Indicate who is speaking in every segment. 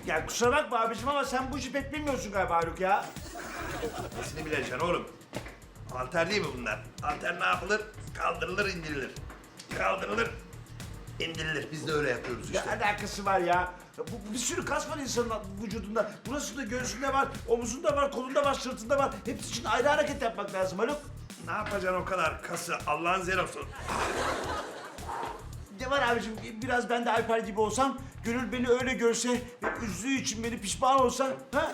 Speaker 1: Ya kusura bakma abicim ama sen bu işi pek bilmiyorsun galiba Haluk ya.
Speaker 2: Nesini bileceksin oğlum? Alter değil mi bunlar? Alter ne yapılır? Kaldırılır, indirilir. Kaldırılır, indirilir. Biz de öyle yapıyoruz
Speaker 1: Ne
Speaker 2: işte.
Speaker 1: alakası var ya? Bu bir sürü kas var insanın vücudunda. Burasında, göğsünde var, omuzunda var, kolunda var, sırtında var. Hepsi için ayrı hareket yapmak lazım Haluk.
Speaker 2: Ne yapacaksın o kadar kası? Allah'ın zerosu.
Speaker 1: Ne var abicim, biraz ben de Alper gibi olsam, Gönül beni öyle görse ve üzdüğü için beni pişman olsa, ha?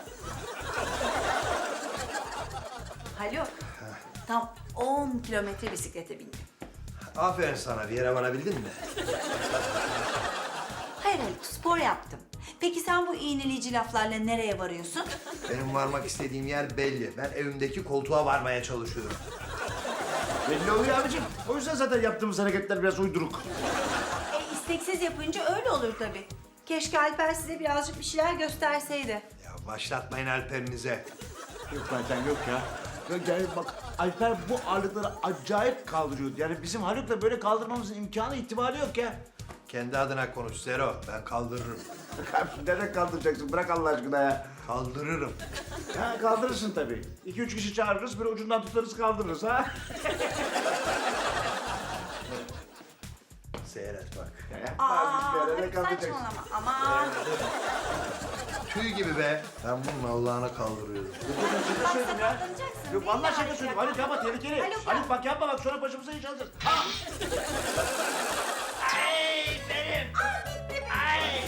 Speaker 3: Haluk, tam 10 kilometre bisiklete bindim.
Speaker 2: Aferin sana. Bir yere varabildin mi?
Speaker 3: Hayır Haluk, spor yaptım. Peki sen bu iğneleyici laflarla nereye varıyorsun?
Speaker 2: Benim varmak istediğim yer belli. Ben evimdeki koltuğa varmaya çalışıyorum.
Speaker 1: Belli oluyor abicim. O yüzden zaten yaptığımız hareketler biraz uyduruk.
Speaker 3: İsteksiz yapınca öyle olur tabii. Keşke Alper size birazcık bir şeyler gösterseydi.
Speaker 2: Ya başlatmayın Alper'inize.
Speaker 1: Yok zaten yok ya. Yani bak Alper bu ağırlıkları acayip kaldırıyordu. Yani bizim Haluk'la böyle kaldırmamızın imkanı ihtimali yok ya.
Speaker 2: Kendi adına konuş Zero. Ben kaldırırım.
Speaker 1: Kardeşim nereden kaldıracaksın? Bırak Allah aşkına ya.
Speaker 2: Kaldırırım.
Speaker 1: Ha kaldırırsın tabii. 2-3 kişi çağırırız, böyle ucundan tutarız kaldırırız ha.
Speaker 2: Seyret bak.
Speaker 3: Haluk saçmalama. Aman.
Speaker 2: Tüy gibi be. Ben bunun Allah'ına kaldırıyorum.
Speaker 1: Şaka söyledim ya.
Speaker 3: Katlanacaksın,
Speaker 1: Yok vallahi
Speaker 3: değil
Speaker 1: şaka
Speaker 3: mi
Speaker 1: söyledim.
Speaker 3: Haluk?
Speaker 1: Haluk yapma tehlikeli.
Speaker 3: Haluk,
Speaker 1: Haluk bak yapma bak sonra başımıza iş alacağız. Ha! Ay benim. Ay.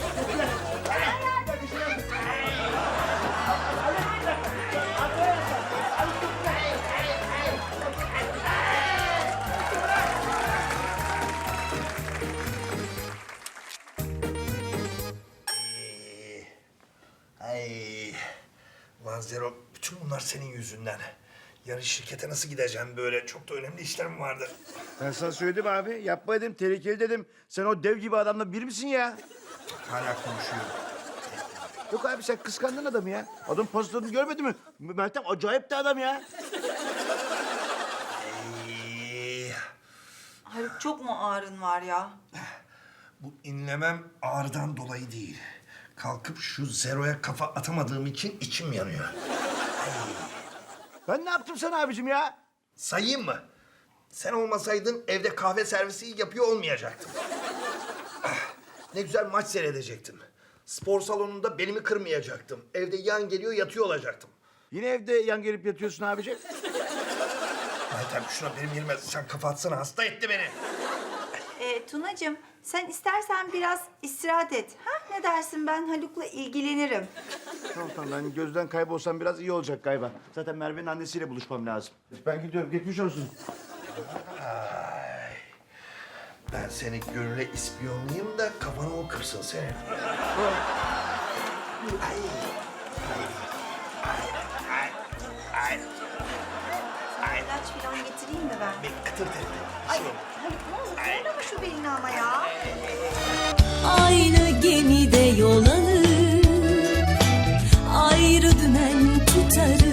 Speaker 2: Ay. Ulan Zero, bütün bunlar senin yüzünden. Yarın şirkete nasıl gideceğim böyle? Çok da önemli işlerim vardı.
Speaker 1: Ben sana söyledim abi. Yapma dedim, tehlikeli dedim. Sen o dev gibi adamla bir misin ya?
Speaker 2: Hala konuşuyorum.
Speaker 1: Yok abi sen kıskandın adamı ya. Adam pozisyonunu görmedin mi? Meltem acayip de adam ya.
Speaker 2: Ay.
Speaker 3: Haluk çok mu ağrın var ya?
Speaker 2: Bu inlemem ağrıdan dolayı değil. Kalkıp şu Zero'ya kafa atamadığım için içim yanıyor.
Speaker 1: Ben ne yaptım sana abicim ya?
Speaker 2: Sayayım mı? Sen olmasaydın evde kahve servisi yapıyor olmayacaktım. Ah, ne güzel maç seyredecektim. Spor salonunda belimi kırmayacaktım. Evde yan geliyor yatıyor olacaktım.
Speaker 1: Yine evde yan gelip yatıyorsun abicim.
Speaker 2: Meltem şuna benim yerime sen kafa atsana, hasta etti beni.
Speaker 3: Tunacığım sen istersen biraz istirahat et. Ha? Ne dersin, ben Haluk'la ilgilenirim.
Speaker 1: Tamam ben gözden kaybolsam biraz iyi olacak galiba. Zaten Merve'nin annesiyle buluşmam lazım. Ben gidiyorum geçmiş olsun.
Speaker 2: Ben seni Gönül'e ispiyonlayayım da kafanı o kırsın senin.
Speaker 3: İlaç falan getireyim mi ben?
Speaker 2: Bir kıtır etti.
Speaker 3: Ay Haluk ne olur zorlama şu belini ama ya.
Speaker 4: Aynı gemide yol alır, ayrı dümen tutarız.